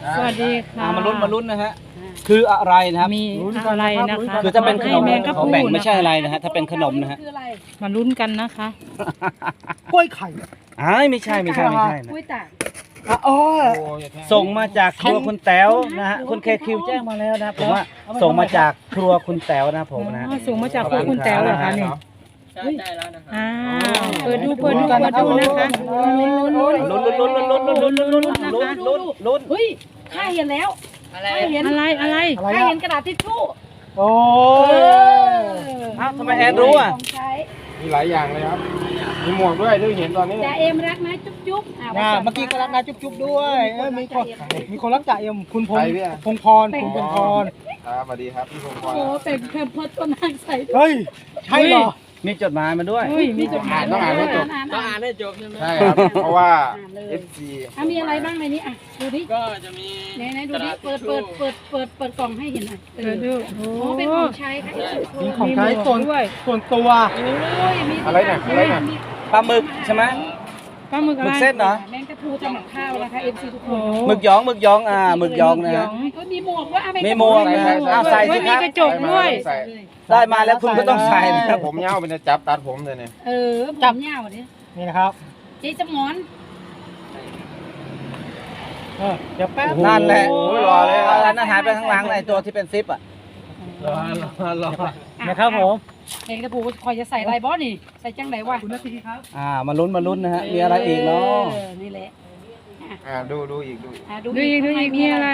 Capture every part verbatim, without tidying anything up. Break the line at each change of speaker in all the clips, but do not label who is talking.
สวัสดีค่ะ
มาลุ้นมาลุ้นนะฮะคืออะไรนะครับ
มีอะไรนะคะ
คือถ้าเป็นขนม
ให้แมงกะ
ของ
พรุน
แบ่งไม่ใช่อะไรนะฮะถ้าเป็นขนมนะฮะ
มาลุ้นกันนะคะ
กล้วยไข่
อ้ายไม่ใช่ไม่ใช่ไม่ใช่นะ
กล้วยตาก
อ่ะอ๋อ
ส่งมาจากครัวคุณแต๋วนะฮะคุณเคคิวแจ้งมาแล้วนะผมว่าส่งมาจากครัวคุณแต๋วนะผมนะ
อ๋อส่งมาจากครัวคุณแต๋วเหรอคะเนี่ย
ใช่ได้แล้วนะครับ
อ้าวเปิดดูเปิดดูเปิดดูนะคะลุ้นลุ้นลุ้น
ลุ้นลุ้นลุ้นลุ้นลุ้นลุ้นลุ้นลุ้นลุ้นลุ้นลุ้น
เฮ้ยข้าเห็นแล้ว
อะไร
ข้าเห็น
อะไรอะไร
อะไร
ข้า
อ่ะ
เห็นกระดาษทิชชู่
โอ้ย
อ้าวทำไมแอนรู้อ่ะ
ของใช้
มีหลายอย่างเลยครับ มีหมวกด้วยด้วยเห็นตอนนี้
จ่าเอ็มรักนะจุ๊บจุ๊บอ่ะ
น่ะ
วั
เมื่อกี้ก็รักนาจุ๊บๆด้วยเอ้ยมีคนมีคนรักจ่าเอ็มคุณพง
ใครเนี่ย
พงพรคุณพงพร
ครับสวัสดีครับพี่พงศ์พ
โอ้
ร
โหเป็นแคมเพิร์ดก็นั่งใส่
เฮ้ยใช่เหรอ
มีจดหมายมาด้วย
เฮ้ยมีจดหมาย
ต้องอ่านให้จบ
อ่าน
ต้อง
อ่า
อ่าน นให้จบใช่ไหม
ใช่ครับ เพราะว่า เอฟซี
อ่ะมีอะไรบ้างในนี้อ่ะดูดิ
ก็จะมี
ไหนไหนดู
กระ
ดิ
ดาษ
เปิด
ทิ
เปิ
ช
ด
ชู่
เปิดเปิดเปิดกล่องให้เห็นหน่อยเอ
เปิ
อ
ดดูโอ้
โอ้เป็นของใช้ค่ะ
มีของใช้ส่วนส่วนตัว
โอ้ยมี
อะไรเนี่ยอะไรเนี่ย
ปลาหมึกใช่ไหม
ปลาหมึก
ห
อะ
มึ
ไร
กเส้นเหรอ
แมงกะพรูทำกับข้าวนะคะเอ็มซีทุกค
โอ้
น
หมึกหยองหมึกหยองอ่าหมึกหยองนะฮะ
ก็มีหมวกด้วยอ่ะแงกะพรู
มีหมวกนะฮะอ้าวใส่สิ
เฮ้ย
ครับ
มีกระจกด้วย
ใส่
ได้มาแล้วคุณก็ต้องใส่นะครับ
ผมเงาเป็นจะจับตัดผมเลยเนี่ย
เออจับเหย้าดิ
นี่นะครับ
เจ๊จำงอน
เออเดี๋ยวแป๊บ
นั่นแหละ
โอ้ยรอเลย
เอาอันนั้นหายไปข้างหลังไอ้ตัวที่เป็นซิปอ่ะ
รอรอรอ
นะครับผม
เองกระปูคอยจะใส่อะไรบอสนี่ใส่จังไหนวะ
คุณนาทีครับ
อ่ามาลุ้นมาลุ้นนะฮะมีอะไรอีกเนาะ
ออนี่แหละ
อ่าดูดูอีกดูอีก
อ่ะ
ดูอีกดูอีกมีอะไร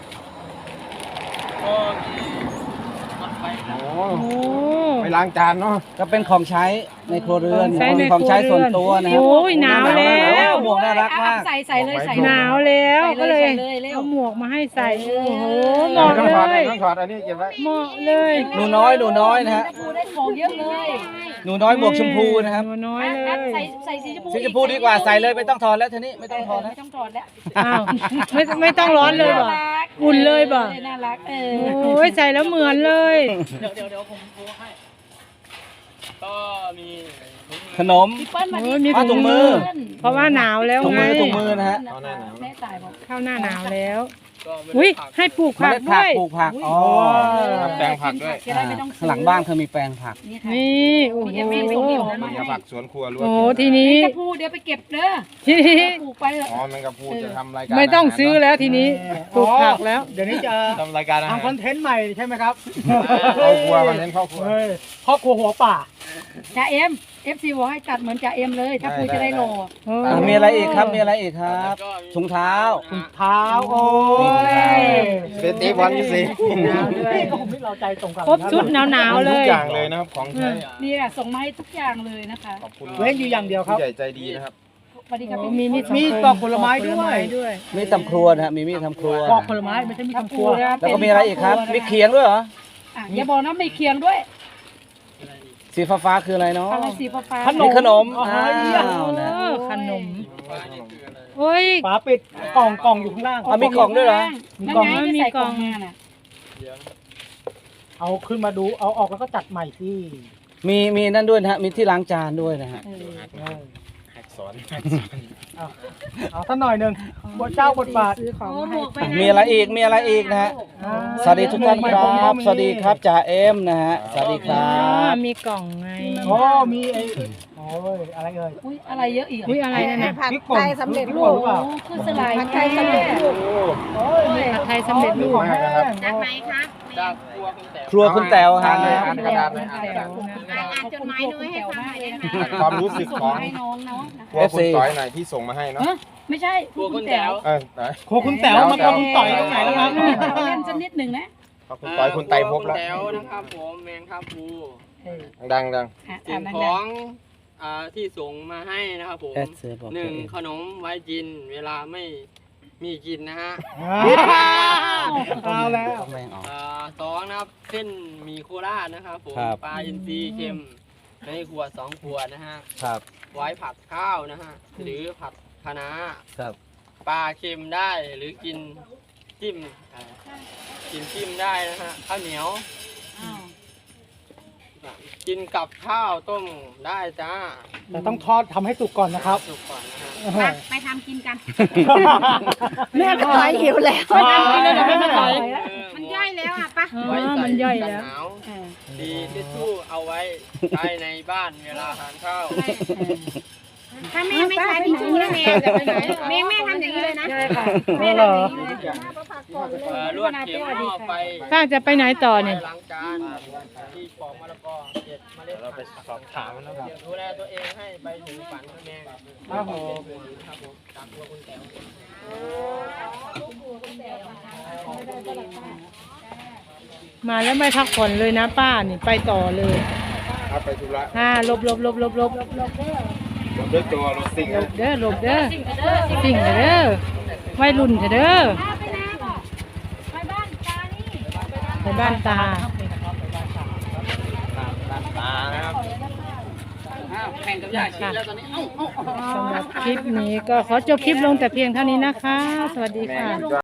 ก็มีหลอดไฟครับ
โอ้
โอ้
ไปล้างจานเนาะ
ก็เป็นของใช้ในครัวเรือน
ใช้ใน
ของใช้
ครัวเรือน
ส่วนตัวนะฮะ
โอ้ยหนาวแล้ว
หมวกน่ารักมาก
ใส่ใส่เลยใส่
หนาวแล้วก็เลย
ใส่เลยเร็ว
เอาหมวกมาให้ใส่โอ้โหเห
ต้อ
มาะ
งถอด
เลย
ต้องถอดอันนี้เก็บไว้
เหมาะเลย
หนูน้อยหนูน้อยนะฮะ
กระปูได้หมวกเยอะเลย
หนูน้อยหมวกชมพูนะครับ
หนูน้อยเล
อ่ะ
ย
ใส่ใส่สีชมพู
สีชมพูดีกว่าใส่เลยไม่ต้องถอดแล้วทีนี้ไม่ต้องถอดแล้ว
ไม่ต้องถอดแล้ว
อ้าวไม่ไม่ต้องร้อนเลยบ่
ารัก
อุ่นเลยบ่
น่ารักเออ
โอ้ยใส่แล้วเหมือนเลย
เดี๋ยวเดี๋ยวเดี๋ยวผมโทรให้ ก็มี
ขนม
พี่เปิ้ลมา
โอ้
ดิ
ยมี
อ่ะถุงมือ
เพราะว่าหนาวแล้ว
ถุง
ไง
มือถุงมือนะฮะ
แม่ตายบอก
เข้าหน้าหนาวแล้ว
ก็ไม่
อุ้ย
ได้ผัก
ให้ปลูก
เม
ผัก
ล็ด
ด้
ผั
วย
ปลูกผักอ๋อ
ทำแปลงผักด้วย
จะได้ไม่ต้องซื้อ
ข้างหลังบ้านเขามีแปลงผัก
นี่ค่ะ
นี่โอ้โห
มีผักสวนครัวล้วน
โอ้โหทีนี้
กระพูเดี๋ยวไปเก็บเด้อ
ทีนี้
ปลูกไปเลย
อ๋อแมงกะพรุนจะทำรายการ
ไม่ต้องซื้อแล้วทีนี้ปลูกผักแล้ว
เดี๋ยวนี้จะ
ทำรายการอาหาร
ทำคอนเทนต์ใหม่ใช่ไหมครับ
ครอบครัวคอนเทนต์ครอบครัว
เฮ้ยครอบครัวหัวป่า
จ่าเอ็มเอฟซีบอกให้จัดเหมือนจ่าเอ็มเลย ถ้าพูจะได้โล
โอ้
อ่ะมีอะไรอีกครับมีอะไรอีกครับ
แล้วก็มี
ถุงเท้า
เท้าโอ้ย
เซตตี้บอลยี่สิ
หนาวด้วยโอ้โหเราใจตรงกัน
ครบชุดหนาวๆเล
ทุก
ย
อย่างเลยนะครับของใช้
นี่แหละส่งมาให้ทุกอย่างเลยนะคะ
ขอบคุณ
เว้นอยู่อย่างเดียวครับ
ผู้ใหญ่ใจดีนะครับ
สวัสดีครับ
โอ้
พี่
มี
พี่
มี
มีกล่องผลไม้ด้วย
ด้วย
มีตำครัวนะฮะมีมีดทำครัว
ปอกผลไม้ไม่ใช่มี
กระ
คำค
พู
รัว
นะ
แล้วก็มีอะไรอีกครับมีเขียงด้วยเหรอ
อ่ะอย่าบอกนะมีเคียงด้วย
สีฟ้าฟ้าๆคืออะไรเนาะ
อะไรสีฟ้าๆ
ขน
มี
ม
ขนม
อ๋อ
อ้า
เยี่ยม
วนะ
เออขนม
ฟ้านี่คืออะไร
โอ้ย
ฝาปิดกล่องกล่องอยู่ข้างล่าง
อ่ะมีกล่องด้วยเหรอ
มี
นั่น
กล่อง
ไงที่ใส่กล่องมาน่ะ
เดี๋ยวนะ
เอาขึ้นมาดูเอาออกแล้วก็จัดใหม่ที่
มีมีนั่นด้วยนะฮะมีที่ล้างจานด้วยนะฮะ
เออ
เออ
หักสอน
เอาเอาสักหน่อยหนึ่งบทเจ้าบทบาท
ซื้อของมาให้
มีอะไรอีกมีอะไรอีกนะฮะ
อ่า
สวัสดีทุกท่านครับสวัสดีครับจ่าเอ็มนะฮะสวัสดีค
อ๋
รั
อบ มีกล่องไง
โอ้มีไอ้โอ้ยอะไรเอ่ย
อุ้ยอะไรเยอะอีก
อุ้ยอะไรนั่นน่ะ
ผัด
พริกป่น
ไทยสำเร็จรู
พ
ป
กป่นหรือเปล่า
โอ้คือสลายผัดไทยสำเร็จรูป
โอ้ย
ผัดไทยสำเร็จรูป
ของแห้ง
จากไหนคะ
จากครัวคุณแต๋ว
ครัวคุณแต๋วฮะ
อ่านกระดาษไหมอ่านกระดาษ
อ่านจดหมายด้วยให้ฟังเลยนะคะ
ความรู้สึกของ
ให้น้องเนาะ
ครัวคุณต่อยหน่อยที่ส่งมาให้เนาะ
เอ้อไม่ใช่
ครัวคุณแต๋ว
เออไหน
โคคุณแต๋วมาโคคุณต่อยตรงไหนแล้วครับ
เราเล่นสักนิดหนึ่งนะ
ขอบคุณต่อยคุณไตรภพ
ครัว
แล้ว
ณแต๋วนะครับผมแมงครับภู
เออ
ดังดัง
อ่ะ
สิ่
อ่าง น
ข
ดั
อง งอ่าที่ส่งมาให้นะครับผม
แอดเสือบอก
หนึ่ง
ตัวเอง
ขนมไว้กินเวลาไม่มีกินนะฮะ
เอาแล้ว
แม่งออก
อ่าสองนะครับเส้นหมีโคราชนะครับผม
ครับ
ปลาอินทรีย์เค็มในขวดสองขวดนะฮะ
ครับ
ไว้ผัดข้าวนะฮะหรือผัดคะน้า
ครับ
ปลาเค็มได้หรือกินจิ้มอ่ากินจิ้มได้นะฮะข้าวเหนียว
อ้าว
กินกับข้าวต้มได้จ้า
แต่ต้องทอดทำให้สุกก่อนนะครับ
สุกก่อนนะฮะ
เออ
ไปทำกินกัน
แม่ก็ถอยหิวแล้ว
ไปทำกินแล้วเดี๋ยวแม่มาถอย
เออ
มันย่อยแล้วอ่ะปะ
อ๋อ
ไว้ใส่
มันย่อย
กัน
แล้ว
หนาวดีทิชชู่เอาไว้ใช้ในบ้านเวลาทานข้าว
ถ้าแม่ไม่ใช้ทิชชู่แล้วแม่จะไปไหนแม่แม่ทำอย่างนี้เลยนะ
ใช่ค่ะ
แม่ทำอย่างนี้เลย
เอ่อลวดเข็มหม้อไฟ
ป้าจะไปไหนต่อเนี่ย
ล้างจานที่ปอกมะละกอเก็บเมล็ด
เราไปสอบถามมันนะครับ
ดูแลตัวเองให้ไปถึงฝันนะแม่
ครับผม
ครับผมจากตัวคุณแต๋ว
มาแล้วไม่พักผ่อนเลยนะป้านี่ไปต่อเลย
เอาไปธุระ
อ่าหลบหลบหลบหลบหลบ
ผมด้วยตัวรถซิ่ง
หลบเด้อหลบเด้อสิ่งเด้อวัยรุ่นเด้อไปบ้านตา
ตานะครับ
แข่งกับยาชีแล้วตอนนี้เอ้า
สำหรับคลิปนี้ก็ขอจบคลิปลงแต่เพียงเท่านี้นะคะ สวัสดีค่ะ